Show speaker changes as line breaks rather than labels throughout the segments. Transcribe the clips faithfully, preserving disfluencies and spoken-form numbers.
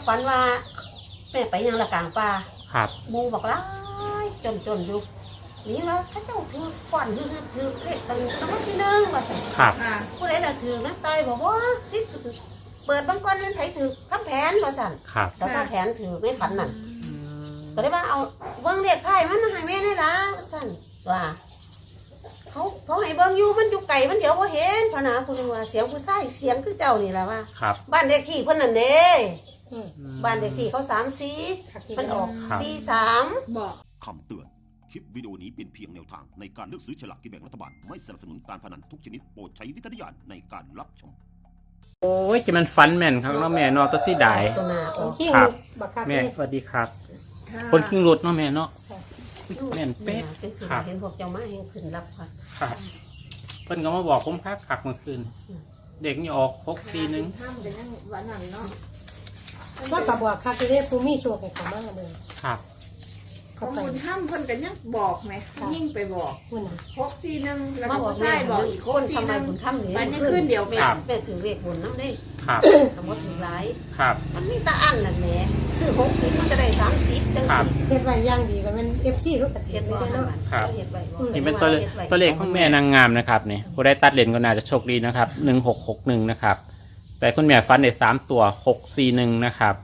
ฝันว่าแม่ไปยังละกลางป่า
ครับ
มูบอกร้ายจนจนอยู่นี่ว่าข้าเจ้าถือก่อนถือถือเลขตั้งตั้งที่หนึ่งว่าสิ
ครับ
ผู้ใดล่ะถือนะตายบอกว่าที่สุดเปิดบางก้อนนั้นไผถือข้ามแผนว่าสั่น
ครับ
สตาแผนถือไม่ฝันนั่นก็ได้ว่าเอาเบิ้งเลขไทยมันให้แม่ได้ละสั่นว่าเขาเขาให้เบิ้งอยู่มันอยู่ไก่มันเดี๋ยวว่าเห็นพนาคุณว่าเสียงผู้ชายเสียงคือเจ้านี่แหละว่า
ครับ
บ้านเลขที่เพิ่นนั่นเด้บ้านเลขที่เขาสามสี่มันออกสี่สาม
บอก
คำเตือน คลิปวิดีโอนี้เป็นเพียงแนวทางในการเลือกซื้อฉลากกินแบ่งรัฐบาล ไม่สนับสนุนการพนันทุกชนิดโปรดใช้วิจารณญาณในการรับชม
โอ้ยจะมันฟันแม่นครับเนาะแม่เนาะตัวสีดาย
ตัวหน้าออก
ขี้
ครั
งู
บ
บักคัก
แม่
เลย
สวัสดีครับ
ค่ะ
คนขิงรุดเนาะแม่เนาะแม่นเป๊ะ
เป็นสิ่ง
ครับ
เห็นพวกเจ้ามาเห็นขึ้นรับค่ะ
ครับเพิ่นก็มาบอกผมพักขักเมื่อคืน เด็กนี่ออกหกสี่หนึ่ง
ห้ามเป็นยังหวานหนังเนาะ
ว่ากระบอกคักเลยภูมิโชคให้เขามากเลย
ครับ
ข้
เขา
อ
ไป
มูลห้ามเพิ่นกันยังบอกไหมยิ่งไปบอก
คุณน่ะ
หกสี่หนึ่งแล้ว
มา
ก็
บอก
ใช่บอกอีก
ค
หก
น
สี่
ทำ
ห
ไม
นึ่ง
คุณทำนี่
วันนี้ขึ้นเดี๋ยว
แม่
ครับ
แม่ถือเลขบนน้ำได้
ครับ
ทำว่าถือร้าย
ครับ
มันมีตาอันนั่นแหละซื้อหกสิบมันจะได้สามสิบจัง
ครับ
สิ
เฮ็ดไว้อย่างดีกันเป็นเอฟซีทุกประเท
เฮ็
ศ
ด
เลย
ว่า
เนาะ
ครับ
เฮ็ดไว้บ่
นี่เป็นตัวเลขตัวเลขของแม่นางงามนะครับนี่ผู้ได้ตัดเลนก็น่าจะโชคดีนะครับหนึ่งหกหกหนึ่งนะครับ แต่คุณแม่ฟันได้สามตัวหกสี่หนึ่งนะครับ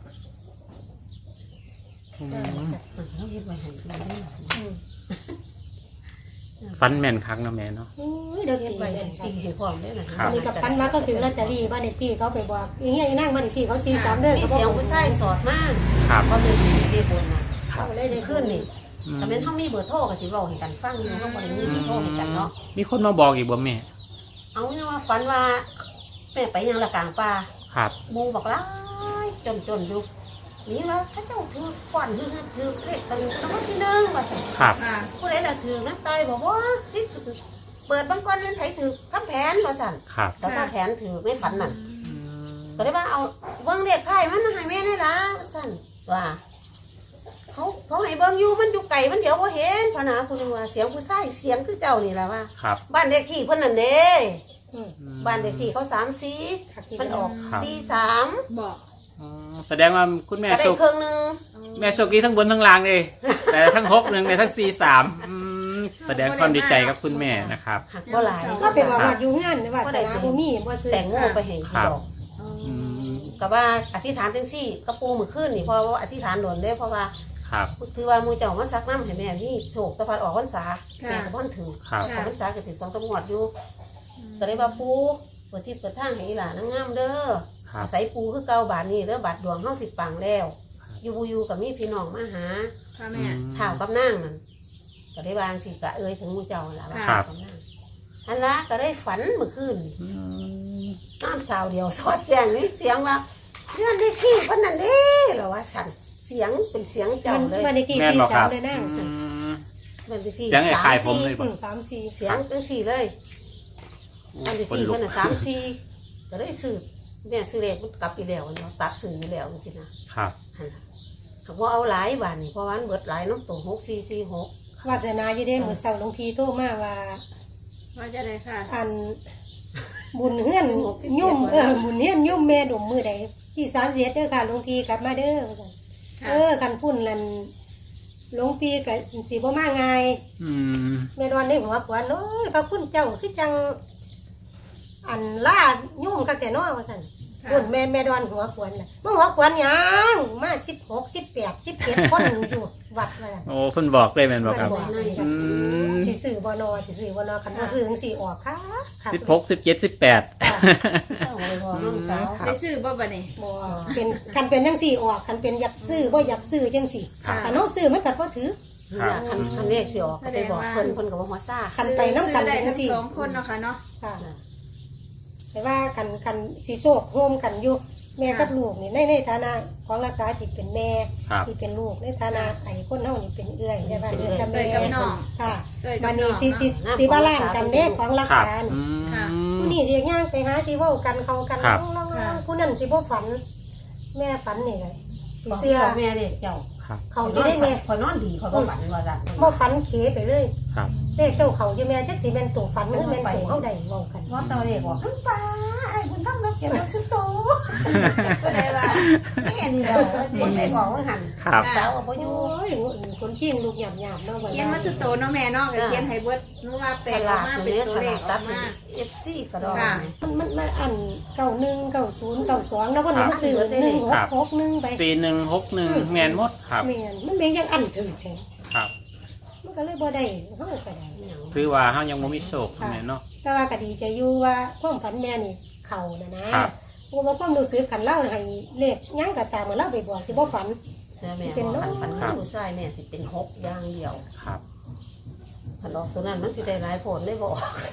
อืม
เขาเฮ็ดไว้ให้ดูได้
ฟันแม่นครั้งเนาะแม่เนาะ
อุ้ยเดี๋ยว
เฮ็ด
ตี
ไว้
เล
ให้
ย
ตีให้พร้อมได้นะ
ครั
อั
บ
นนี้กับพันมาก็ถือลอตเตอรี่บ้านเลขที่เขาไปบอกอย่างเงี้ยนั่งบ้านเลขที่เขาสี่สามเด้อ
มี
เขาบอ
เสียง
ก
ผู้ชายสอดมาก
ครับ
เขาเลยเลขบนน่ะ
ครับ
เขาเลยได้
ขึ้
ขึ้
น
น
นี่
อืม
แต่เป็นเฮามีเบอร์โทรก็สิเว้าให้กันฟังอยู่เฮาบ่ได้มีเบอร์โทรให้กันเนาะ
มีคนมาบอกอีกบ่แม่
เอาเนี่ยว่าฝันว่าแม่ไปยังละกลางป่า
ครับ
มูบอกร้ายจนจนอยู่นี่ว่าข้าเจ้าถือก่อนถือถือเลขตั้งตั้งที่หนึ่งว่าสิ
ครับ
ค่ะ
ผู้ใดล่ะถือนะตายบอกว่าที่สุดเปิดบางก้อนนั้นไผถือข้ามแผนว่าสั่น
ครับ
สตาแผนถือไม่ฝันนั่นก็ได้ว่าเอาเบิ้งเลขไทยมันให้แม่ได้ละสั่นว่าเขาเขาให้เบิ้งอยู่มันอยู่ไก่มันเดี๋ยวว่าเห็นพนาคุณว่าเสียงผู้ชายเสียงคือเจ้านี่แหละว่า
ครับ
บ้านเลขที่เพิ่นนั่นเด้
อืม
บ้านเลขที่เขาสามสี่มันออก
ครับ
สี่สาม
บอก
อ๋อแสดงว่าคุณแม่
ก็ได้
โชค
เครื่องหนึง
แม่โชคดีทั้งบนทั้งล่างเลย แต่ทั้งหกหนึ่งในทั้งสี่สามอืมแสดงความดีใจกับคุณแม่นะครับ
หักบ่หลาย
ก็ไปบอกว่าอยู่งานว่าแต่นาภูมิบ่ซื้อ
แต่งโง่ไปเห็น
ครับ
ดอก
อืม
กับว่าอธิษฐานจังซี่กระปูมือขึ้นนี่เพราะว่าอธิษฐานโดนได้เพราะว่า
ครับ
ถือว่ามูเจ้ามาซักน้ำให้แม่นี่โศกตะพัดออกพรรษา
ค่ะ
แม่ก็บ่นถือ
ครับ
ออกพรรษาก็ถึงสองตำรวจอยู่ก็ได้ว่าปูเปิดที่เปิดทางให้อีหลานนางงามเด้อ
ครับ
อาศัยปูคือเก่าบาทนี้เด้อบาทดวงเฮาสิปังแล้ว อยู่บ่อยู่กับมีพี่น้องมาหา
ค่ะ
อื
แม่
ม
ข่าวกับนางนั่นก็ได้วางสิกะเอ้ยถึงมูเจ้าล่ะว่า
ครับ
ข่าวกับนางอันละก็ได้ฝันเมื่อคืนนี่
อืม
นอนสาวเดียวสอดแจ้งนี่เสียงว่าเรื่องที่ขี้เพิ่นนั่นเด้เหรอว่าสั่นเสียงเป็นเสียง
มั
เจ้าน เลย
บ้านเลขที่
แม่น
สี่
บอกค
สา
รั
ม
บ
เลยนั่ง
อืม
มันที่สี่
เสียงไอ้
สาม
คายผม
สี่
เลย
อืมสามสี่
เสียงจังสี่เลยมันที่
คน
สี่
ลุก
เพิ่นน่ะสามสี่ก็ได้ซื้อแม่ซื้อเลขมันกลับไปแล้วเนาะตัดซื้ออยู่แล้วจังซี่นะครับ หั่นล่ะเขาบ่เอาหลายบาทนี่เพราะว่ามันเบิดหลายน้ำตัวหกสี่สี่หก
วาสนาอยู่เด้มื้อเช้าหลวงพี่โทรมาว่า
ว่าจะได้ค่ะ
อันบุญเฮือนยุ่มเออบุญเฮือนยุ่มแม่ดมมือใดที่สามเสียเด้อค่ะหลวงพี่กลับมาเด้อว่าซั่น
ค่ะ
เออกันพุ่นนั่นหลวงพี่ก็สิบ่มาง่าย
อืม
แม่ดอนในหัวขวัญโอ้ยพระคุณเจ้าคือจัง อันล่ายุ่มคักแต่น้อว่าซั่น
ค่ะ
พุ่นแม่แม่ดอนหัวขวัญน่ะมาหัวขวัญหยังมาสิบหก สิบแปด สิบเจ็ดคนอยู่วัดว่าซั่น
โอ้เพิ่นบอกเลยแม่นบอกครับ
มันบอก
อืม
สิซื้อบ่นอสิซื้อบ่นอคันบ่ซื้อจังซี่ออกค่ะค่ะ
สิบหกสิบเจ็ดสิบแปด
เศร้าเลยพอน้องสาว
ครับ
ได้ซื้อบ่บัดนี้
บ่เป็นคันเป็นจังซี่ออกคันเป็นอยากซื้อบ่อยากซื้อจังซี่
ครับ
คันเฮาซื้อมันก็บ่ถือ
นี่ล่ะคันคันเลขสิออกก็ไปบอกเพิ่นเพิ่นก็บ่หัวซ่า
คันไปน้ำกัน
ซื้อได้
จั
ทั้
ง
ง
ซี่
สองคนเนาะค่ะเนาะ
ค่ะแต่ว่าคันคันสิโชคร่วมกันอยู่แม่กับลูกนี่ในในฐานะของรักษาที่เป็นแม่
ครับ
ที่เป็นลูกในฐานะไอ้คนเฮานี่เป็นเอื้อยใช่ป่ะเอื้อยกับ
เอ้
แม่
ยกับน้อง
ค่ะ
เอ้ยกั
บั
บ
ด
น้
นี้
อง
สิสิสิบาลานซ์กันเด้ของรัก
ครับ
ษานี่
อืม
ค่ะ
ผู้นี้สิย่างไปหาที่เว้ากันเขากัน
ครับ
ลองๆ
ค่ะ
ผู้นั้นสิบ่ฝัน แม่ฝันนี่ไงสิ
บอก
เสื้อ
แม่เด็กเจ้า
ครับ
เขาจะได้แม่
คอยนอนดีคอยบ่ฝันว่าซั่น
บ่ฝันเขไปเลย
คครับ
เลขเจ้าเขาอยู่แม่จักสิแม่นตัวฝันหรือแม่นตัวเฮาได้เว้ากัน
ว่าตอนเด็กบอกน้ำปลาไอ้บุญทำเราเขียนเราชุดโตก็ได้ว่าแม่นี่เราคนได้บอกว่าหัน
ครับ
สาวว่าอยู่
โอ้ยคนขี้ลูกหยาบๆเนาะว่า
เขียนมาสุดโตเนาะแม่เนาะก็เขียนให้เบิดนึกว่าแปล
ฉ
ออ
ลาก ด
มา
ห
เป็น
รือ
ตัว
ฉ
เล
ลา
ข
ด
อ
ตั
อ
ด
กมา
เอฟซีก็ได้
ค่ะ
มันมันมันอันเก้าหนึ่งเก้าศูนย์เก้าสองแล้วก็หนูมาซื้อหนึ่งหกหกหนึ่งไป
สี่หนึ่งหกหนึ่งแมนหมดครับ
แม่นมันเป็นยังอันถึงแท้
ครับ
มันก็เลยบ่ได้เฮาก็ได้
คือว่าเฮายังบ่มีโชคแม่เนาะ
แต่ว่าก็ดีใจอยู่ว่าความฝันแม่นี่เข้านะนะครับ เพราะว่าความรู้สึกคันเล่าให้เลขหยังก็ตามมาเล่าไปบอกสิบ่ฝัน
เสื้อแม่บอกขันฝันผู้ชายแม่สิเป็นหกอย่างเดียว
ครับ
ขันออกตัวนั้นมันสิได้หลายผลได้บอก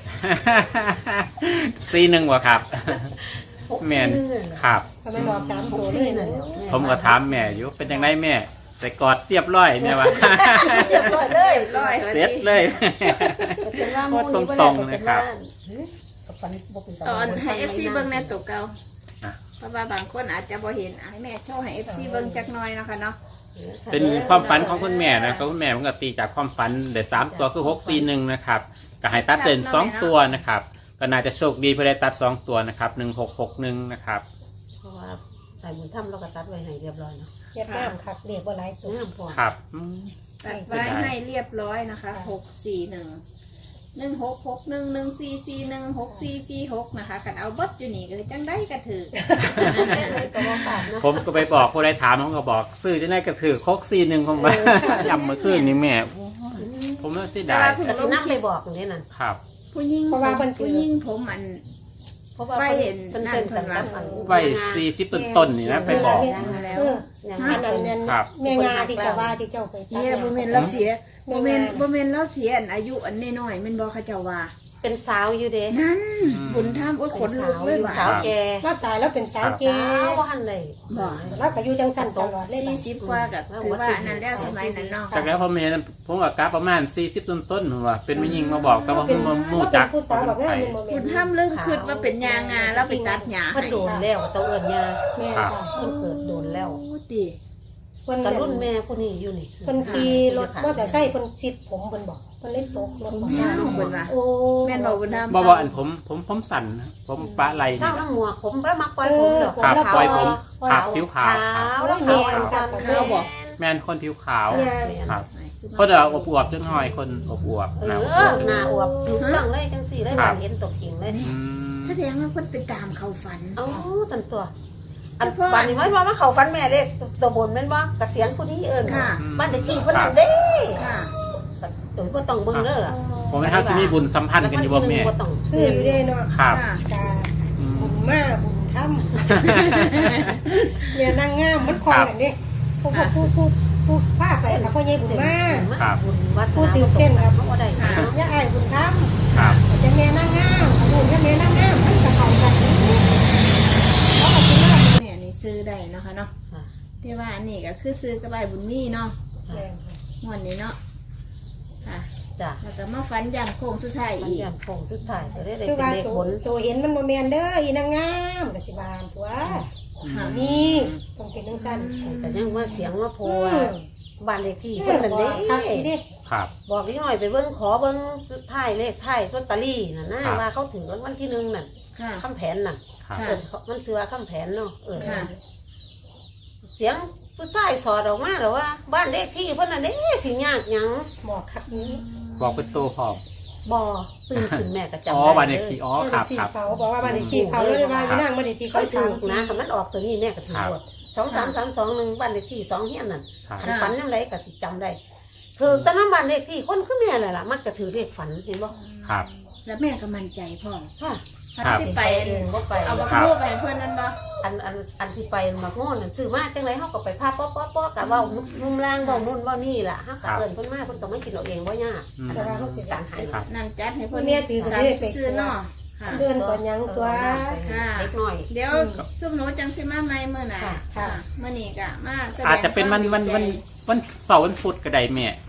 สี่หนึ่งบ่ครับ
หก
แม่น
สี่เลย
ครับ
ก็ไม่บอกสาม
ห
ตั
ก
วเล
สี่
ย
นั่
นะ
นแหละ
ผมก็ถามแม่อยู่เป็นจังไดแม่แต่กอดเรียบร้อยแม่ว่า
เรียบร้อยเลย
ร้อย
เสร็จเลย
เป็นว่า
โค
มู
ตร
นี่
ตรงๆนะครับ
กับฝันบ่เป็น
ตอนให้ เอฟ ซี เบิ่งในตัวเก่า
อ่ะ
เพราะว่าบางคนอาจจะบ่เห็นอ่ะให้แม่โชว์ให้ เอฟ ซี เบิ่งจักหน่อยเนาะค่ะเนาะ
เป็นความฝันของคุณแม่นะครับคุณแม่มันก็ตีจากความฝันเด็ดสามตัวคือหกสี่หนึ่งนะครับก็ให้ตัดเด่นสองตัวนะครับก็น่าจะโชคดีเพื่อได้ตัดสองตัวนะครับหนึ่งหกหกหนึ่งนะครับ
เพราะว่าใส่บุญถ้ำเราก็ตัดไว้ให้เรียบร้อยเนาะ
เฮ็ดน้ำคักเรียกว่าหลายตัว
งามพอ
ครับอืม
ตัดไว้ให้เรียบร้อยนะคะหกสี่หนึ่งหนึ่งหกหกหนึ่งหนึ่งสี่สี่หนึ่งหกสี่สี่หกนะคะกันเอาเบิดอยู่นี่ก็จังได้กระถือ
ก็ว่าฝากเนาะ
ผมก็ไปบอกผู้ใดถามผมก็บอกซื้อจะได้กระถือโคกซีหนึ่งผมว่า ยำเมื่อคืนนี้แม่ผมน่าเสีย
แต่
ดาย
ว่าเพิ่ง
ก็
ล
สิ
ง
นับ
ค
ไป
ลิป
บอกอย่างนี้นั่น
ครับ
ผู้หญิง
เพราะว่าเพิ่นถือ
ผู้หญิงผมอัน
เพราะว่า
ไม่เห็น
เป็นเส้นกันกับอัน
ไว้สี่สิบต้นๆนี่นะไปบอก
เออ
อย่าง
อั
นั้น น
นั้นนั้น
ครับ
แม่งาที่เจ้าว่าที่เจ้าไปตัด
เนี่ยบ่แม่นเราเสียบ่แม่นบ่แม่นเราเสียอันอายุอันน้อยๆแม่นบ่เขาเจ้าว่า
เป็นสาวอยู่เด้
นั่นบุญธรรมโอ้ยขนลุกเลยว่ะ
สาวแก่
ว่าตายแล้วเป็นสาวเก
สาวว่าหันเลย
บอก
แล้วก็อยู่จังสันตลอดเลย
สี่สิบกว่าก็ถือว่าอันนั้นแล้วสมัยนั้นเนาะ
จากแล้วผมเห็นผมกับกราฟประมาณสี่สิบต้นๆผมว่าเป็นไม่ยิงมาบอกแต่ว่าผมมามู่จัก
ผู้สาวแบบนั้นมัน
บุญธรรมเรื่องคิดว่าเป็นยางาแล้วไปตัดหญ้า
เพิ่น
ให้
โดนแล้วเต้าเอิญยา
แม่
ครับ
ค่ะ
เพิ่นเกิดโดนแล้ว
โอ้ติ
เพิ่น
กระรุ่นแม่ผู้นี้อยู่นี่
เพิ่นขี่รถมอเตอร์ไซค์เพิ่นซิดผมเพิ่นบอกเพิ่นเล่นตกรถ
ผม
บอก
ยาวเพิ่นว่า
โอ้
แม่นบอกบุญธรรม
บอกว่าอันผมผมผมสั่นนะผมปะไหล
เศร้า
นี่
น้ำหัวผมแล้วมักปล่อยผมดอก
ครับปล่อยผม
ขาว
ผิวขาว
ขาว
แล้
แล้ว ว
แม่
ขาว
จั
จั
บ
น
กับ
เขา
แม่
บอก
แม่นคนผิวขาว
เนี่ย
ครับเขาเดี๋ยวอบอวบจังหน่อยคนอบอวบ
เอ
นะ
อหน้าอวบถูกต้องเลยจังสี่เลย
ครั
มั
บ
นเห็นตกถิงเลย
อืม
แสดงว่าเพิ่นไปตามเขาฝัน
เอ้าตันตัวอัน
เฉพาะ
บ้านนี้มันว่ามาเขาฟันแม่เล็กตัวบนแม่นว่ากระเสียงผู้นี้เอิญ
ค่ะ
บ้านเด็กจริงเพิ่นนั่นเด้
ค่ะ
ตัวก็ต้องเบิ่งเด้อล่ะ
ผมไม่ทักที่มีบุญสัมพันธ์กันอยู่บ่แม่
ก็ต้อง
คืออยู่ได้เนาะ
ครับ
ค่ะ
กา
อืม
บุญมาบุญทำเนี่ยนางงามมันคลองกันเด้ผู้ผู้ผู้ผู้ผ้าไปกับพ่อใหญ่บุญมา
ครับ
บุญวัฒ
พูดถึงเส้นครับ
เขาบ่ได้
ค่ะ
เนาะ
ย่าอ้ายบุญทำ
ครับ
จะแม่นางงามบุญจะแม่นางงามมันก็เข้ากันเขาก็สิมา
เนี่ยนี่ซื้อได้เนาะค่ะเนาะ
ค่ะ
ที่ว่าอันนี้ก็คือซื้อกระบายบุญมีเนาะงวดนี้เนาะค่ะ
จ้ะ
แล้วก็มาฝันยามโค้งสุดท้าย
มัน
อีก
ยันโค้งสุดท้ายจะได้ได้
คือ
เป็น
ว่า
เลข
ตัว
บน
ตัวเห็นมันบ่แม่นเด้ออีนางงามก็สิบานตัว
ค่ะ
นี่ต้องเป็นจังซั่น
แต่ยังว่าเสียงว่าโพ
อื
ว่าม บ้านเลขที่
เอ
เพิ่น
อ
นั่น
บอ
เด้
กครับอีเด้
ครับ
บอกนิดหน่อยไปเบิ่งขอเบิ่งท้ายเลขท้ายลอตเตอรี่น่ะนะครับ ว่าเขาถึงรางวัลที่หนึ่งนั่น
ค่ะ
คำแผนน่ะ
ครับ
ค่ะ
เออเขามันชื่อว่าคำแผนเนาะเออ
ค่ะ
เสียงผู้ชายสอดออกมาแล้วว่า บ้านเลขที่เพิ่นน่ะเด้สิยากหยัง
บอกครับนี้
บอกเป็นตัวพร้อม
บ่ตื่นขึ้นแม่ก็จำ
อ๋อ
ได้
วันเด็ก
เลย
ที่อ๋อครับครับ
เขาบอกว่าบ้านเลขที่เขาเลยว่าพี่นางบ้านเลขที่
เขา
เขา
ถื
สา
อ
มสี่
นะคันมันออกตัวนี้แม่ก็ถือหมดสองสามสามสองหนึ่งบ้านเลขที่สองเฮียนนั่น
ครับ
คันฝันยังไงก็สิจำได้ถือแต่น้ำบ้านเลขที่คนคือแม่แหละล่ะมักจะถือเลขฝันเห็นบ่
ครับ
แล้วแม่ก็มั่นใจพ่อ
ค่ะ
พัน
ครับ
สิไป
เองบ่ไป
เอาบัก
ครับ
รูปไปให้เพื่อนนั่นบ่
อันอันอันที่ไปมักโง่นซื้อมาจังไรเฮาก็ไปพาป๊อป๊อป๊อกะเว้านุ่มล่างเว้านู่นเว้านี่ล่ะเฮาก็เอิ้นเพิ่นมาเพิ่นต้องมากินเอาเองบ่ยาก
อืม
แต่ว่าเฮาสิการให้
ครับ
นั่นจัดให้เพื่อน
แม่ถือ
สาม
เลขไป
ซื้อเนาะค่ะ
เดือนก่อนยังตัว
เล็กน้อย
เดี๋ยวซุ่มหนูจังสิมาใหม่มื้อน่ะ
ค่ะ
ค่ะมื้อนี้ก็มาแสดง
อาจจะเป็นวันวันวันวันเสาร์วันพุธก็ได้แม่
โอ้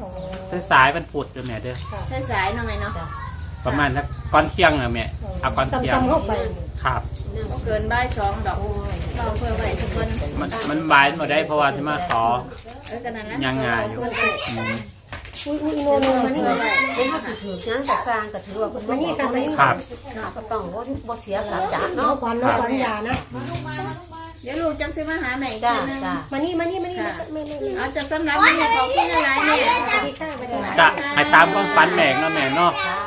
สายๆวันพุธเด้อแม่เด้อ
สายๆเนาะแม่เนาะ
จ้ะ
ประมาณสักก่อนเที่ยงอะแม่เอาก่อนเที่ยง
ซ้ำๆเข้าไป
ครับ
บ่เกินบ่ายสองดอก
โอ้ย
เราเพื่อไว้ทุกคน
มันมันบายมาได้เพราะว่าที่มาขอ
เออกันนั้นนะ
ยังไงอยู่
เพื่อไว้
อืม
อุ้ยอุ้ยโนโนมานี่
เห็นเขาถือถืองั้นแต่สร้างก็ถือว่าคุณ
มานี่ค่ะมานี่
ครับ
ก็ต้องว่าบ่เสียสัจจะ
น้อง
เนาะ
ขวัญน้องขวัญอย่านะ
เดี๋ยวลูกจังสิมาหาแม่อีก
จ้า
ทีนึง
จ้า
มานี่มานี่มานี่ไม่ไม่ไม่
เอาจะสำหรับวันนี้ขอบคุณอะไรแม่
สวัสดีค่ะสวัสดีค่ะ
จะให้ตามความฝันแม่เนาะแม่เนาะ
จ้า